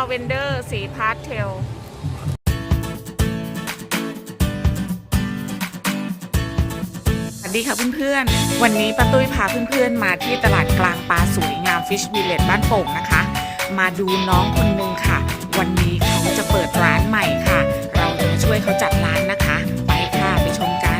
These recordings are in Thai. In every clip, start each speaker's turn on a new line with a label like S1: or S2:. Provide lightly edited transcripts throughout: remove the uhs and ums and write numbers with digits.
S1: เวนเดอร์สีพาสเทลสวัสดีค่ะเพื่อนๆวันนี้ป้าตุ้ยพาเพื่อนๆมาที่ตลาดกลางปลาสวยงามฟิชวิลเลจบ้านโป่งนะคะมาดูน้องคนนึงค่ะวันนี้เขาจะเปิดร้านใหม่ค่ะเราจะมาช่วยเขาจัดร้านนะคะไปค่ะไปชมกัน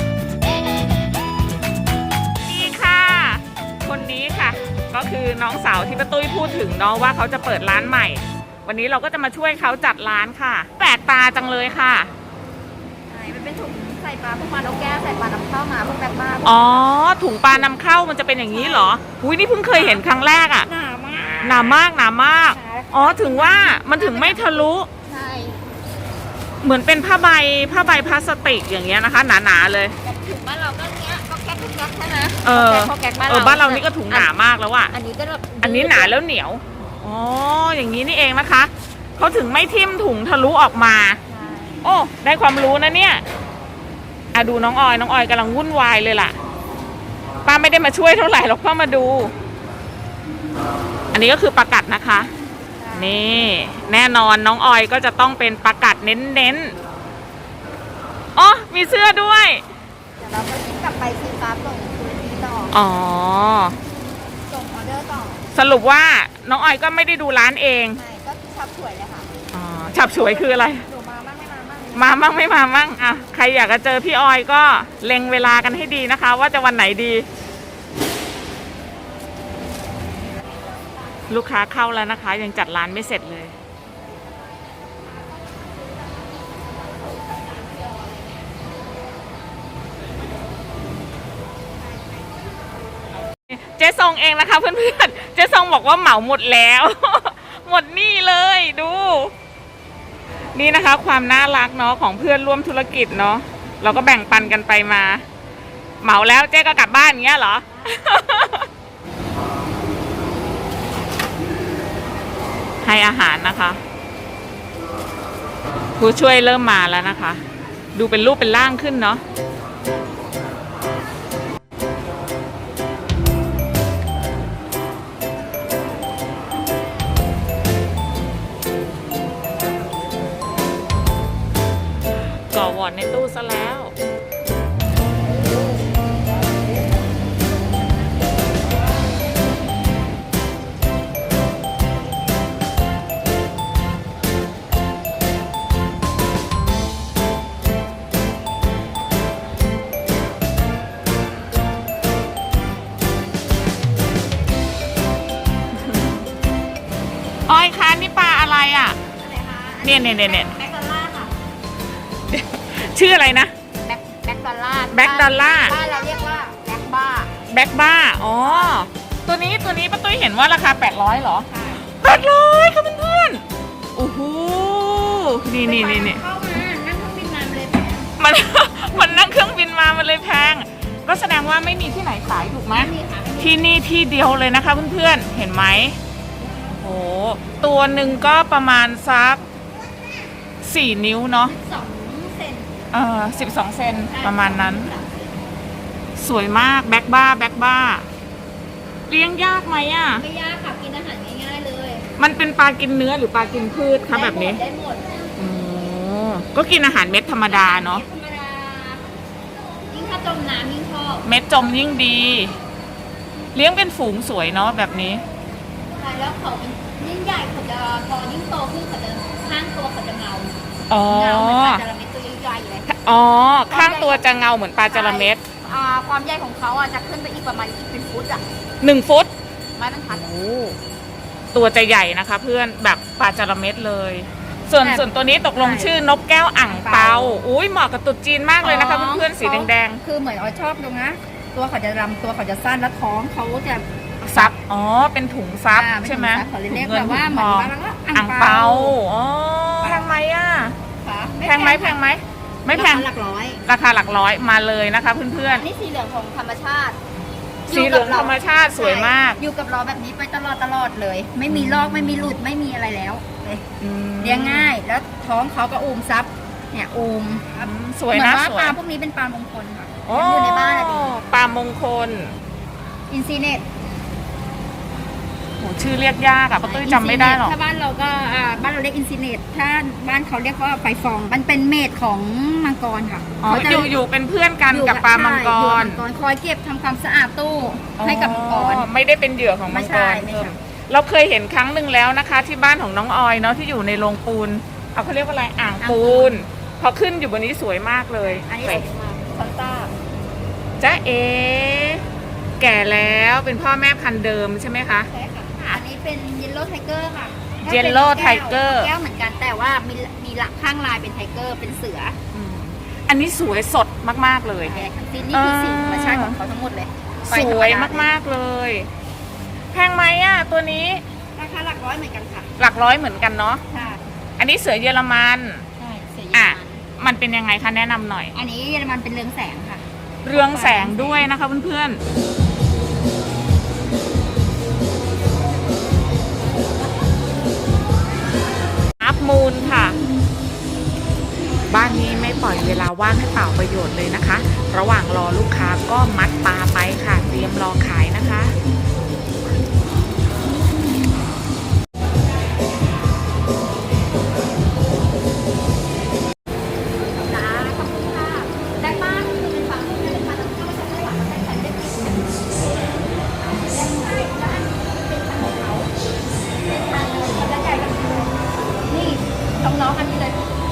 S1: นี่ค่ะคนนี้ค่ะก็คือน้องสาวที่ป้าตุ้ยพูดถึงเนาะว่าเขาจะเปิดร้านใหม่วันนี้เราก็จะมาช่วยเขาจัดร้านค่ะแปลกตาจังเลยค่ะ
S2: มันเป็นถุงใส่ปลาพวกปลานกแก้วใส่ปลานำเข้ามาพวกแบบบ้า
S1: อ๋อถุงปลานำเข้ามันจะเป็นอย่างนี้เหรออุ้ยนี่เพิ่งเคยเห็นครั้งแรกอ่ะ
S2: หนามาก
S1: หนามากอ๋อถึงว่ามันถึงไม่ทะลุ
S2: ใช่
S1: เหมือนเป็นผ้าใบพลาสติกอย่างเงี้ยนะคะหนาๆเลย
S2: ถุงบ้านเราก็เนี้ยก็แก๊กใช่ไหม
S1: บ้านเรานี่ก็ถุงหนามากแล้วอ่ะ
S2: อันนี้ก็แบบ
S1: อันนี้หนาแล้วเหนียวอ๋ออย่างนี้นี่เองนะคะเขาถึงไม่ทิ่มถุงทะลุออกมาโอ้ได้ความรู้นะเนี่ยดูน้องออยกำลังวุ่นวายเลยล่ะป้าไม่ได้มาช่วยเท่าไหร่หรอกป้ามาดูอันนี้ก็คือปลากัดนะคะนี่แน่นอนน้องออยก็จะต้องเป็นปลากัดเน้นๆอ๋อมีเสื้อด้วย
S2: เดี๋ยวเราก็ทิ้งกลับไปซื้อปลาส่งคืนนี้ต่อ
S1: อ๋อ
S2: ส่งออเดอร์ต่อ
S1: สรุปว่าน้องออยก็ไม่ได้ดูร้านเอง
S2: ใช่ก็ฉับฉวยเลยค่ะ
S1: อ๋อฉับฉวยคืออะไร
S2: มาบ้างไม่มาบ้าง
S1: มาบ้างไม่มาบ้างอ่ะใครอยากจะเจอพี่ออยก็เล็งเวลากันให้ดีนะคะว่าจะวันไหนดีลูกค้าเข้าแล้วนะคะยังจัดร้านไม่เสร็จเลยเจ๊ซองเองนะคะเพื่อนๆเจ๊ซองบอกว่าเหมาหมดแล้ว หมดนี่เลยดูนี่นะคะความน่ารักเนาะของเพื่อนร่วมธุรกิจเนาะเราก็แบ่งปันกันไปมาเหมาแล้วเจ๊ก็กลับบ้านอย่างเงี้ยเหรอ ให้อาหารนะคะผู้ช่วยเริ่มมาแล้วนะคะดูเป็นรูปเป็นร่างขึ้นเนาะก่อวอร์ดในตู้ซะแล้วออยคะนี่ปลาอะไรอ่ะเนี่ย
S2: แบ็กดอลล่าค่ะ
S1: ชื่ออะไรนะ
S2: แบ็กดอลล่าบ้านเราเรียกว่าแบ็กบ้า
S1: อ๋อตัวนี้ป้าตุ้ยเห็นว่าราคา800เหรอ800ค่ะเพื่อนๆโอ้โหนี่
S2: เข้ามานั่งเครื่องบินมาเลยแพง
S1: มันนั่งเครื่องบินมามันเลยแพงก็แสดงว่าไม่มีที่ไหนขายถูกไหมที่นี่ที่เดียวเลยนะคะเพื่อนๆเห็นไหมโอ้ตัวหนึ่งก็ประมาณสัก4 นิ้วเนาะ
S2: 12 เซน
S1: 12 เซนประมาณนั้นสวยมากแบ็กบ้าเลี้ยงยากไหมอ่ะ
S2: ไม่ยากค่ะกินอาหารง่ายๆเลย
S1: มันเป็นปลากินเนื้อหรือปลากินพืชคะแบบนี้
S2: ได้หมด
S1: ก็กินอาหารเม็ดธรรมดาเนาะ
S2: ธรรมดายิ่งถ้าจมน้ำยิ่งชอบ
S1: เม็ดจมยิ่งดีเลี้ยงเป็นฝูงสวยเนาะแบบนี้
S2: ใช่แล้วเขายิ่งใหญ่เขาจะพอยิ่งโตขึ้นเขาจะข้างตัวเขาจะเงาเหมือนปลาจระเม็ดตัวใหญ่ๆเลย
S1: ข้างตัวจะเงาเหมือนปลาจระเม็ด
S2: ความใหญ่ของเขาจะขึ้นไปอีกประมาณเป็นฟุต
S1: 1 ฟุต
S2: ไม่เป็นพัน
S1: ตัวจะใหญ่นะคะเพื่อนแบบปลาจระเม็ดเลยส่วนตัวนี้ตกลงชื่อนกแก้วอ่างเปาอุ้ยเหมาะกับตุ๊ดจีนมากเลยนะคะเพื่อนๆสีแดง
S2: ๆคือเหมือนชอบตรงนะตัวเขาจะรำตัวเขาจะสั้นแล้วท้องเขาจะ
S1: ซับเป็นถุงซับใช่ไหม
S2: เขาเรียกแบบว่าเหมือน
S1: อ่างเปาแพงไหมอ่ะแพงไหมไม่แพงราคาหลักร้อยมาเลยนะคะเพื่อน
S2: ๆนี่สีเหลืองของธรรมชาติ
S1: สีเหลืองธรรมชาติสวยมาก
S2: อยู่กับเราแบบนี้ไปตลอดเลยไม่มีลอกไม่มีหลุดไม่มีอะไรแล้วเลยเลี้ยงง่ายแล้วท้องเขาก็อูมซับเนี่ยอูม
S1: สวยนะ
S2: สวยปลาพวกนี้เป็นปลามงคลค่ะอยู่ในบ้าน
S1: ปลามงคล
S2: อินซีเนต
S1: โอ้ชื่อเรียกยากอะป้าตุ้ยจำไม่ได้หรอก
S2: ถ้าบ้านเราก็บ้านเราเรียกอินซิเนตถ้าบ้านเขาเรียกว่าไฟฟองมันเป็นเมดของมังกรค่ะ
S1: อ๋อ
S2: เขาจะ
S1: อยู่เป็นเพื่อนกันกับปลามังก
S2: ใช่อยู่
S1: ร
S2: กับมังกรคอยเก็บทำความสะอาดตู้ให้กับมังกร
S1: อ๋อไม่ได้เป็นเหยื่อของมังกร
S2: ไม่ใช่
S1: เราเคยเห็นครั้งหนึ่งแล้วนะคะ ที่บ้านของน้องออยเนาะที่อยู่ในโรงปูนเอาเขาเรียกว่าอะไรอ่างปูนพอขึ้นอยู่บนนี้สวยมากเลย
S2: อันนี้สวยมากคอนต้า
S1: จ๊ะเอแก่แล้วเป็นพ่อแม่พันธุ์เดิมใช่ไหมคะ
S2: ใช่ค่ะอันนี้เป็นเยลโล่ไทเกอร์ค่ะ
S1: Yellow Tiger
S2: แก้วเหมือนกันแต่ว่ามีหลักข้างลายเป็นไทเกอร์เป็นเสือ
S1: อันนี้สวยสดมากๆเลย
S2: แท้ทั้งสิ้นนี่คือสีธรรมชาติของเขาทั้งหมดเลย
S1: สวยมากๆเลย แพงไหมอ่ะตัวนี้
S2: ราคาหลักร้อยเหมือนกันค่ะ
S1: หลักร้อยเหมือนกันเนาะ
S2: ค่ะ
S1: อันนี้เสือเยอรมัน
S2: ใช่เสือเยอร
S1: อ่ะ
S2: มัน
S1: มันเป็นยังไงคะแนะนำหน่อย
S2: อันนี้เยอรมันเป็นเรืองแสงค่ะ
S1: เรืองแสงด้วยนะคะเพื่อนๆอัพมูลค่ะ บ้านนี้ไม่ปล่อยเวลาว่างให้เปล่าประโยชน์เลยนะคะ ระหว่างรอลูกค้าก็มัดปลาไปค่ะ เตรียมรอขายนะคะ
S2: จ้าขอบคุณค่ะได้บ้านคือเป็นฝั่งที่เป็นมาตั้งแต่มาจากไต้หวันมาแต่งกันได้ดีเป็นทางของเขาเป็นทางเลยเขาจะใหญ่กันเลยนี่น้องๆอันนี้เลย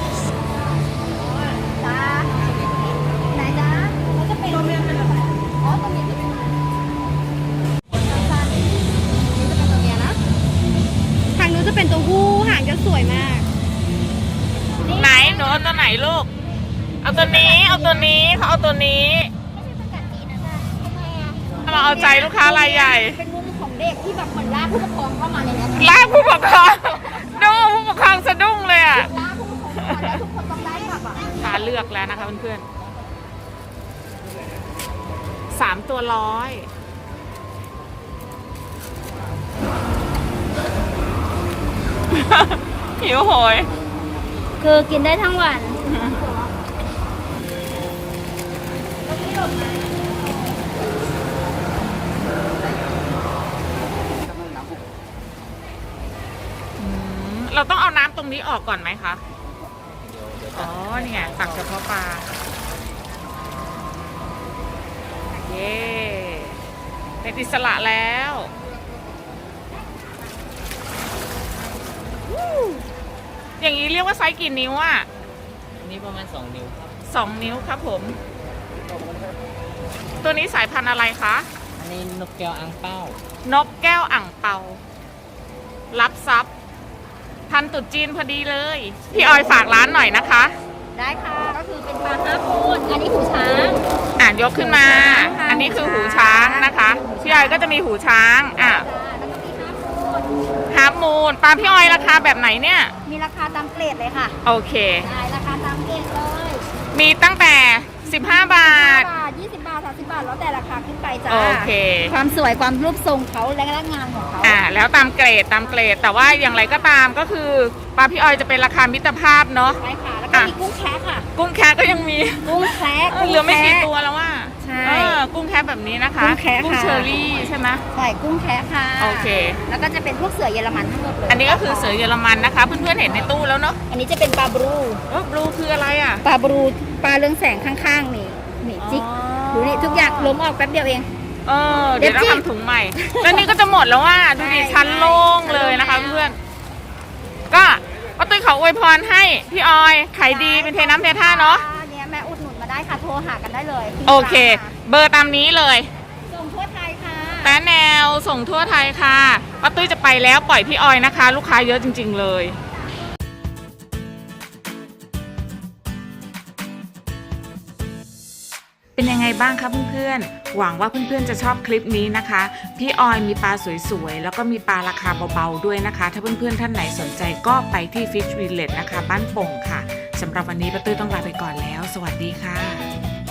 S2: จ้าไหนจ้าเขาจะเป็นตัวเมียเป็นอะไรอ๋อตัวเมียจะเป็นสั้นๆนี่จะเป็นตัวเมียนะทางนู้นจะเป็นตัวผู้หางจะสวยมาก
S1: ไหนหนูเอาตัวไหนลูก เอาตัวนี้ เอาตัวนี้เขาเอาตัวนี้ มาเอาใจลูกค้ารายใหญ่
S2: เป็นมุมของเด็กที่แบบเหมือนลากผู้ปกครองเข้ามาในนี้
S1: ลากผู้ปกครองดูผู้ปกครองสะดุ้งเลยอ่ะ
S2: ลากผู้ปกครองเข้ามาแล้วทุกคนต้องได้แบบอ่ะ
S1: ขาเลือกแล้วนะคะเพื่อนๆ3 ตัวร้อยหิวโหย
S2: คือกินได้ทั้งวัน
S1: เราต้องเอาน้ำตรงนี้ออกก่อนไหมคะ อ๋อ นี่ไงตักเฉพาะปลา เย้เป็นอิสระแล้ววู้อย่างนี้เรียกว่าไซส์กี่นิ้วอ่ะ
S3: อันนี้ประมาณ2 นิ้วครับ
S1: 2 นิ้วครับผม ตัวนี้สายพันธุ์อะไรคะ
S3: อันนี้นกแก้วอังเป้า
S1: นกแก้วอ่างเปา รับทรัพย์ทันตรุษจีนพอดีเลย พี่ออยฝากร้านหน่อยนะคะ
S2: ได้ค่ะ ก็คือเป็นปลาห้าพูดอันนี้หูช้าง
S1: ยกขึ้นมา
S2: ค่ะ
S1: อันนี้คือหูช้างนะคะ พี่ออยก็จะมีหูช้าง
S2: จ้าแล้วก็มีห้าพูด
S1: ฮาร์ฟมูนปลาพี่ออยราคาแบบไหนเนี่ย
S2: มีราคาตามเกรดเลยค่ะ
S1: โอเค
S2: ได้ราคาตามเกรดเลย
S1: มีตั้งแต่ 15 บาท
S2: 5 บาท 20 บาท 30 บาท แล้วแต่ราคาขึ้นไปจ้า
S1: โอเค
S2: ความสวยความรูปทรงเขาและงานของเขา
S1: แล้วตามเกรดแต่ว่าอย่างไรก็ตามก็คือปลาพี่ออยจะเป็นราคามิตรภาพเนาะ
S2: ใช่ค่ะ แล้วก็มีกุ้งแคะค่ะ
S1: กุ้งแคะก็ยังมี
S2: กุ้งแคะ
S1: เหลือไม่กี่ตัวแล้วว่า
S2: ใช่
S1: กุ้งแคะแบบนี้นะคะ
S2: กุ้งแคะ
S1: กุ้ง
S2: ค่ะ
S1: เชอรี่ใช่ไหม
S2: ใช่กุ้งแคะค่ะ
S1: โอเค
S2: แล้วก็จะเป็นพวกเสือเยอรมันทั้งหมดเลย
S1: อันนี้ก็คือเสือเยอรมันนะคะ เพื่อนๆเห็นในตู้แล้วเนาะ
S2: อันนี้จะเป็นปลาบรู
S1: บลูคืออะไรอ่ะ
S2: ปลาบรูปลาเรืองแสงข้างๆนี่นี่จิกดูนี่ทุกอย่างล้มออกแป๊บเดียวเอง
S1: เดี๋ยวเราทำถุงใหม่ แล้วนี่ก็จะหมดแล้วว่าดูดิ
S2: ใช่
S1: ชั้นโล่งเลยนะคะ
S2: ใช่
S1: เพื่อนๆก็ป้าตุ้ยขออวยพรให้พี่ออยขายดีเป็นเทน้ำเทท่าเนาะ
S2: เนี่ยแม่อุดหนุนมาได้ค่ะโทรหากันได้เลย
S1: โอเค เบอร์ตามนี้เลย
S2: ส่งทั่วไทยค่ะ
S1: แต่แนวส่งทั่วไทยค่ะป้าตุ้ยจะไปแล้วปล่อยพี่ออยนะคะ ลูกค้าเยอะจริงๆเลย เป็นยังไงบ้างคะเพื่อนๆ หวังว่าเพื่อนๆจะชอบคลิปนี้นะคะ พี่ออยมีปลาสวยๆ แล้วก็มีปลาราคาเบาๆด้วยนะคะ ถ้าเพื่อนๆท่านไหนสนใจก็ไปที่ Fish Village นะคะบ้านโป่งค่ะสำหรับวันนี้ป้าตุ้ยต้องลาไปก่อนแล้ว สวัสดีค่ะ